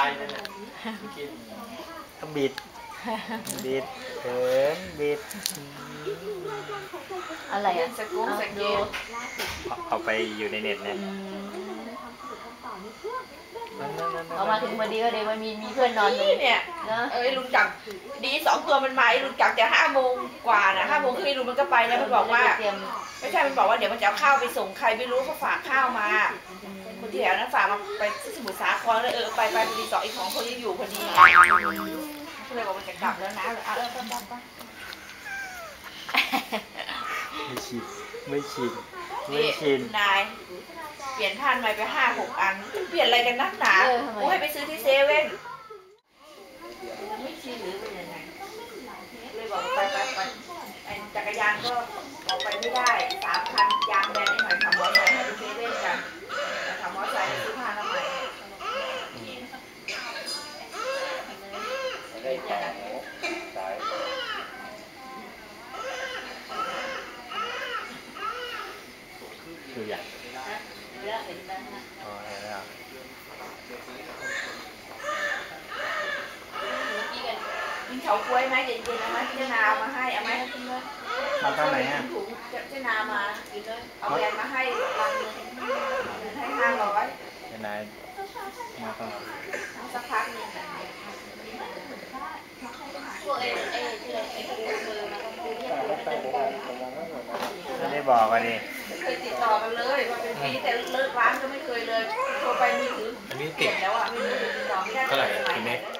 นั่นแหละก็บิดเขินบิดอะไรอ่ะสกู๊ปสกู๊ปเอาไปอยู่ในเน็ตเนี่ยเอามาถึงพอดีก็เลยว่ามีเพื่อนนอนอยู่เนี่ยลุงจักรดี2 ตัวมันมาลุงจักรจะ5 โมงกว่านะ5 โมงครึ่งลุงมันก็ไปแล้วมันบอกว่าไม่ใช่มันบอกว่าเดี๋ยวมันจะเอาข้าวไปส่งใครไม่รู้เขาฝากข้าวมาคนที่แถวนั้นฝากมาไปสมุทรสาครเลยไปพอดี2อีก2 คนยังอยู่พอดีก็เลยบอกมันจะกลับแล้วนะไปไม่ชินนายเปลี่ยนท่านใหม่ไป5-6 อันเปลี่ยนอะไรกันนักหนากูให้ไปซื้อที่เซเว่นไม่ชินหรือเป็นยังไงเลยบอกไปจักรยานก็ออกไปไม่ได้3 คันยางแบนหน่อยขับมอเตอร์ไซค์ไปเซเว่นกันขับมอเตอร์ไซค์ซื้อผ้าทำไมดูอย่างกินเฉาก๊วยไหมเย็นๆเอาไหมเจ้านามาให้เอาไหมมาทำไหนอ่ะถุงเจ้านามากินเลยเอาแบนมาให้รังนึงให้500 เจ้านายมาทำสักพักนึงพวกไม่ได้บอกกันดิไม่เคยติดต่อกันเลยว่าเป็นปีแต่เลิกร้านก็ไม่เคยเลยโทรไปมือถืออันนี้เปลี่ยนแล้วอ่ะไม่รู้ติดต่อไม่ได้เท่าไหร่คุณเน็ก